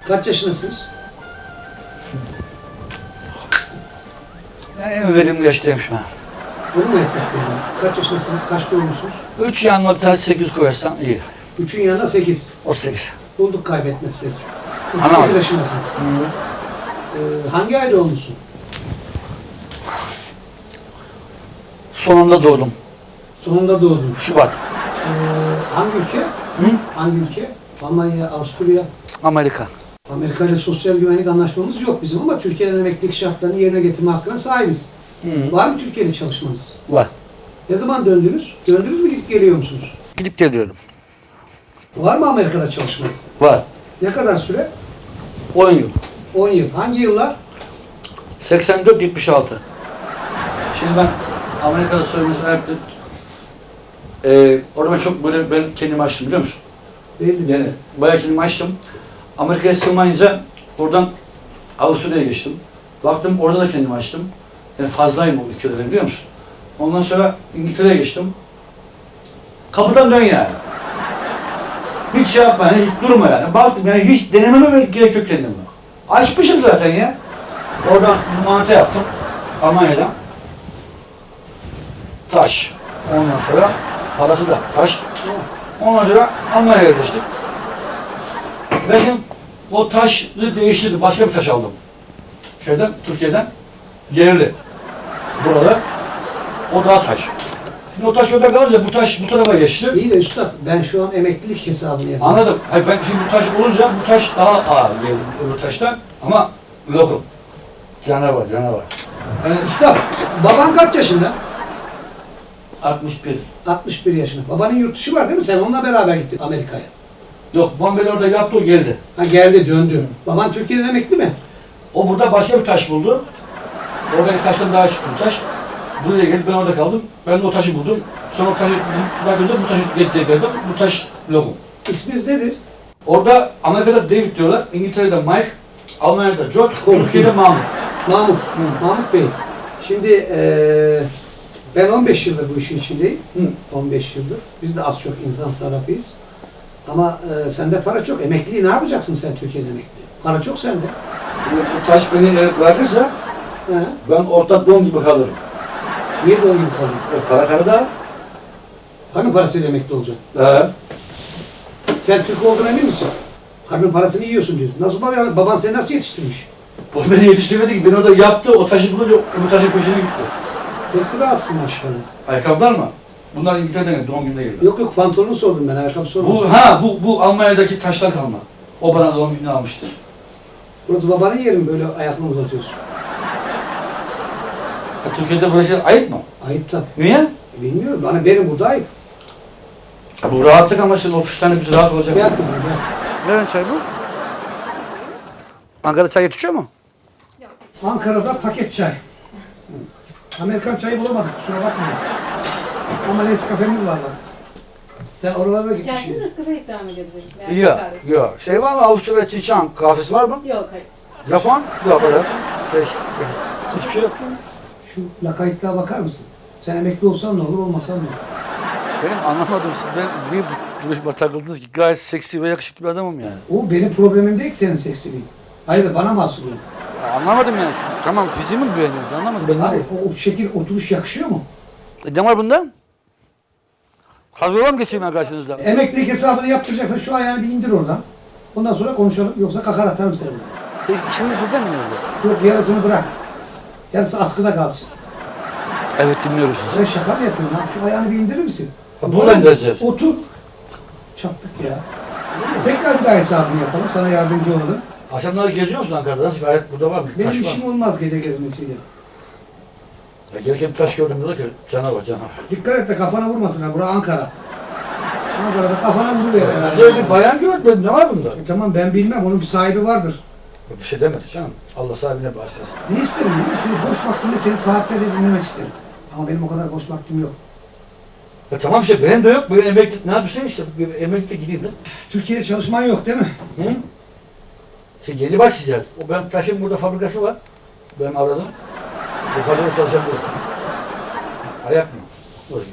Kaç yaşındasınız? Yani en verimli yaştayım şu an. Onu mu hesaplayalım? Kaç yaşındasınız? Kaç doğumlusunuz? 3 yanına bir tane 8 koyarsan iyi. 3'ün yanına 8. O 8. Bulduk kaybetmezsek. Ana. 38 yaşındasın. Hangi ayda olmuşsun? Sonunda doğdum. Sonunda doğdun. Şubat. Hangi ülke? Hı? Hangi ülke? Almanya, Avusturya. Amerika. Amerika ile sosyal güvenlik anlaşmamız yok bizim ama Türkiye'den emeklilik şartlarını yerine getirme hakkına sahibiz. Hı. Var mı Türkiye'de çalışmanız? Var. Ne zaman döndünüz? Döndünüz mü gidip geliyor musunuz? Gidip geliyorum. Var mı Amerika'da çalışma? Var. Ne kadar süre? 10 yıl. 10 yıl. Hangi yıllar? 84-76. Şimdi ben Amerika'da söylemesini yaptım. Orada çok böyle ben kendimi açtım biliyor musun? Belli. Yani bayağı kendimi açtım. Amerika'ya sığmayınca oradan Avusturya'ya geçtim. Baktım orada da kendimi açtım. Yani fazlayım o ülkelerde biliyor musun? Ondan sonra İngiltere'ye geçtim. Kapıdan dön yani. Hiç şey yapma yani, hiç durma yani. Baktım yani hiç denememe gerek yok kendime. Açmışım zaten ya. Oradan mantı yaptım. Almanya'dan. Taş. Ondan sonra parası da taş. Ondan sonra Almanya'ya yerleştik. Benim o taşı değiştirdim. Başka bir taş aldım. Türkiye'den. Yerli. Burada. O daha taş. Şimdi o taş orada kalınca bu taş bu tarafa geçti. İyi de üstad, ben şu an emeklilik hesabını yapıyorum. Anladım. Hayır, ben şimdi bu taş olunca bu taş daha ağır geldi öbür taştan. Ama lokum. Canavar. Yani Üstad, baban kaç yaşında? 61. 61 yaşında. Babanın yurt dışı var değil mi? Sen onunla beraber gittin Amerika'ya. Yok, Bombeli orada yaptı, o geldi. Ha geldi, döndü. Baban Türkiye'den emekli mi? O burada başka bir taş buldu. Oradaki taştan daha çıktı bu taş. Buraya geldi, ben orada kaldım. Ben de o taşı buldum. Sonra o taşı bakınca bu taşı geldim. Bu taş lokum. İsminiz nedir? Orada Amerika'da David diyorlar, İngiltere'de Mike, Almanya'da George, Türkiye'de Mahmut. Mahmut. Mahmut Bey. Şimdi ben 15 yıldır bu işin içindeyim. 15 yıldır. Biz de az çok insan sarrafıyız. Ama sende para çok. Emekliliği ne yapacaksın sen Türkiye'de emekli? Para çok sende. Şimdi bu taş beni bırakırsa He. ben orta don gibi kalırım. Niye de o gibi kalıyor? Para karıda. Karnın parasıyla emekli olacaksın. He. Sen Türk olduğuna emin misin? Karnın parasını yiyorsun diyorsun. Nasıl baban seni nasıl yetiştirmiş? O beni yetiştirmedi ki, beni orada yaptı, o taşı bulunca bu taşın peşine gitti. Pek rahatsın maşallah. Ayakkabılar mı? Bunlar İngiltere'den geldi, doğum gününe geldi. Yok pantolonu sordum ben, ayakkabı sormadım. Bu Almanya'daki taşlar kalma. O bana doğum gününe almıştı. Burası babanın yeri mi, böyle ayakını uzatıyorsun? Türkiye'de böyle şey ayıp mı? Ayıp tabii. Niye? Bilmiyorum. Benim burada ayıp. Bu rahatlık ama şimdi ofisten de biz rahat olacak. Gel kızım gel. Nereden çay bu? Ankara'da çay yetişiyor mu? Ankara'da paket çay. Amerikan çayı bulamadık, kusura bakmayın. Ama Nescafe'miz var bak. Sen oralara gitmişsin. İçerisinde Nescafe ikram edebiliriz. Yok. Şey var mı? Avusturya Çiçan kahvesi var mı? Yok, hayır. Japon? Yok öyle. Hiçbir şey yok. Şu lakaytlığa bakar mısın? Sen emekli olsan ne olur, olmasan ne olur? Benim anlamadım, siz niye bu duruşma takıldınız ki? Gayet seksi ve yakışıklı bir adamım yani. O benim problemim değil ki senin seksiliğin. Hayır, bana mahsul o. Anlamadım yani. Tamam, fiziğimi mi beğeniyorsunuz? Anlamadım. Ben Hayır, o şekil, oturuş yakışıyor mu? Ne var bunda? Hazırlar mı geçeyim ben karşınızda? Emeklilik hesabını yaptıracaksan şu ayağını bir indir oradan. Ondan sonra konuşalım, yoksa kakar atarım seni. Şimdi burada mı yazıyor? Yok, yarısını bırak. Yarısı askıda kalsın. Evet, dinliyoruz sizi. Sen şaka mı yapıyorsun lan? Şu ayağını bir indirir misin? Bunu indireceğiz. Otur. Çattık ya. Tekrar bir daha hesabını yapalım. Sana yardımcı olalım. Akşamları geziyor musun Ankara'da? Nasıl, gayet burada var mı? Benim Taş var işim mı? olmaz gece gezmesiyle. Ya gelirken bir taş gördüm dedi ki canavar. Dikkat et de kafana vurmasın ha. Bura Ankara. Ankara'da kafana vuruluyor herhalde. Böyle bir bayan gördüm. Ne var bunda? Tamam, ben bilmem. Onun bir sahibi vardır. Bir şey demedi canım. Allah sahibine bağışlasın. Ne isterim biliyor musun? Şöyle boş vaktimde seni saatlerce dinlemek isterim. Ama benim o kadar boş vaktim yok. Tamam işte, benim de yok. Böyle emeklilik ne yapıyorsun işte? Bir emeklilikte gideyim de. Türkiye'de çalışman yok değil mi? Hı? Şey, yeni başlayacağız. O ben taşın burada fabrikası var. Ben aradım. Bu fabrikada çalışan bu. Ayak mı? Orada.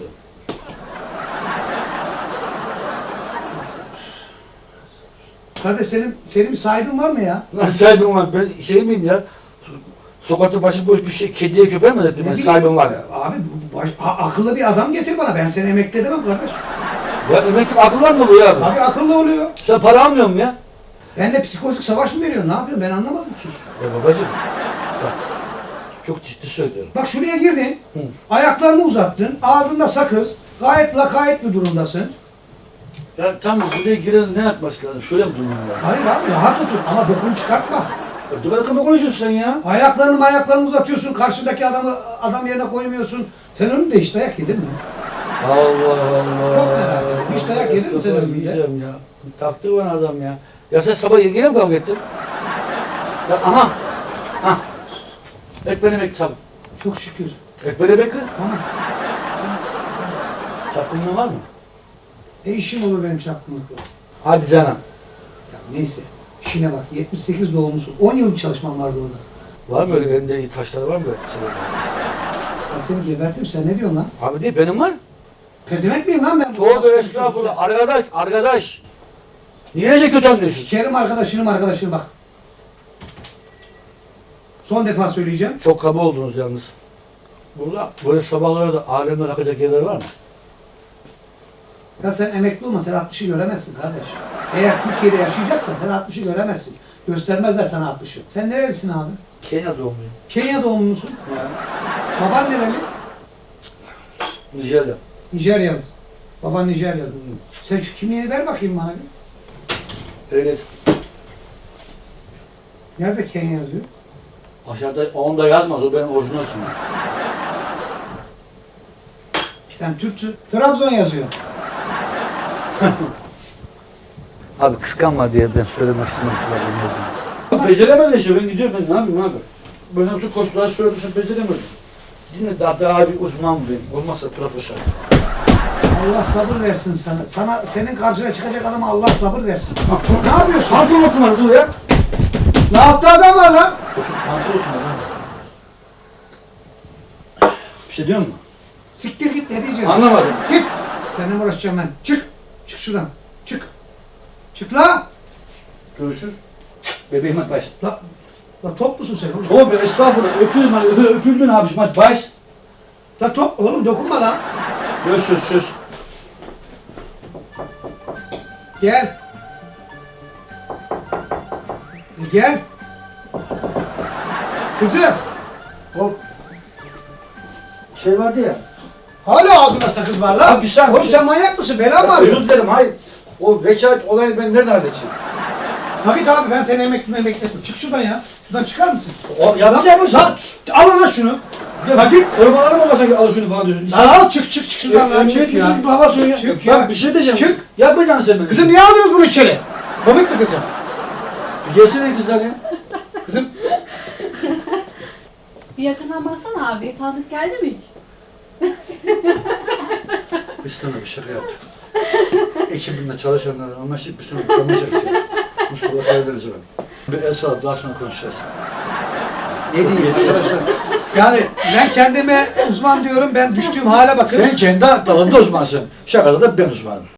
Kardeş senin bir sahibin var mı ya? Nasıl sahibim var? Ben şey miyim ya? Sokakta başıboş bir şey, kediye köpeğe mi dedim ben bileyim, sahibim var. Abi akıllı bir adam getir bana. Ben seni emekli edemem kardeş. Ya emeklilik akıllar mı oluyor abi? Abi akıllı oluyor. Sen para almıyor musun ya? Ben de psikolojik savaş mı veriyorsun? Ne yapıyorsun? Ben anlamadım ki. Ya babacığım, bak, çok ciddi söylüyorum. Bak şuraya girdin. Hı. Ayaklarını uzattın. Ağzında sakız. Gayet lakayt bir durumdasın. Ya tamam, buraya giren ne yapması lazım? Şöyle mi durmam lazım? Hayır abi rahat otur ama bokunu çıkartma. Ya dur bakalım, konuşuyorsun sen ya. Ayaklarını uzatıyorsun. Karşıdaki adam yerine koymuyorsun. Sen önünde hiç dayak yedin mi? Allah Allah. Çok merak ediyorum. Hiç dayak yedin mi sen Kafayı önünde? yiyeceğim ya. Taktı bana adam ya. Ya sen sabah yine mi kavga ettin? Ya aha. Ha. Ekmeğini bekle sabah. Çok şükür. Ekmeğini bekle. Tamam. Çapkınlığın var mı? İşim olur benim çapkınlıkla. Hadi canım. Ya neyse. İşine bak. 78 doğumlusun. 10 yıl bir çalışman vardı orada. Var mı öyle elinde taşları var mı böyle? Ben seni gebertim. Sen ne diyorsun lan? Abi değil, benim var. Pezevenk miyim lan ben? Tövbe estağfurullah. Arkadaş. Niye kötü anlıyorsun? Sikerim arkadaşını bak. Son defa söyleyeceğim. Çok kaba oldunuz yalnız. Burada böyle sabahları da alemler akacak yerler var mı? Ya sen emekli olma, sen 60'ı göremezsin kardeş. Eğer Türkiye'de yaşayacaksan sen 60'ı göremezsin. Göstermezler sana 60'ı. Sen nerelisin abi? Kenya doğumluyum. Kenya doğumlusun. Baban nereli? Nijerya. Nijeryalı. Baban Nijeryalı. Sen şu kimliğini ver bakayım bana bir. Evet. Nerede Kenya yazıyor? Aşağıda onda yazmaz, o benim orijinal ismim. Sen Türkçe. Trabzon yazıyor. Abi kıskanma diye ben söylemek istemedim. Beceremedin işte, ben gidiyorum, ben ne yapayım abi? Ben bütün koşulları söylemişim, beceremedim. Dinle, daha bir uzman benim, olmazsa profesör. Allah sabır versin sana. Senin karşına çıkacak adama Allah sabır versin. Ne yapıyorsun? Pantolon oturmadı, dur ya. Ne yaptı adam var lan? Pantolon oturmadı abi. Bir şey diyor musun? Siktir git ne diyeceğim? Anlamadım. Git. Seninle uğraşacağım ben. Çık. Çık şuradan. Çık. Çık la. Görüşürüz. Bebeğim hadi baş. La top musun sen oğlum? Tövbe estağfurullah, öpüldün hadi, öpüldün abiciğim hadi baş. La top oğlum dokunma lan. Söz. Gel. Gel. Kızım. O şey vardı ya. Hala ağzında sakız var lan. Abi bir saniye. Oğlum sen manyak mısın? Bela mı Özür arıyorsun? dilerim, hayır. O vekalet olayını ben nerede halledeceğim? Ha git abi ben seni emekli ettim. Çık şuradan ya. Şuradan çıkar mısın? O yapacak mısın? Lan al lan şunu. Ya git korumaları mı olmasa alıyorsun falan diyorsun. Lan al çık şuradan lan çık ya. Baba söyle. Çık Bak ya. bir şey diyeceğim. Çık. Yapacaksın sen beni. Kızım niye aldınız bunu içeri? Komik mi kızım? Bir gelsene kızlar ya. Kızım Bir yakından baksana abi. Tanıdık geldi mi hiç? Biz sana bir şaka yaptık. Ekibimle çalışanlar anlaşıp biz sana kalmayacak şey. Mustafa Karadeniz'e ben. Bir el salıp daha sonra konuşacağız. ne diyeyim arkadaşlar? Yani ben kendime uzman diyorum. Ben düştüğüm hale bakın. Sen kendi dalında uzmansın. Şakada da ben uzmanım.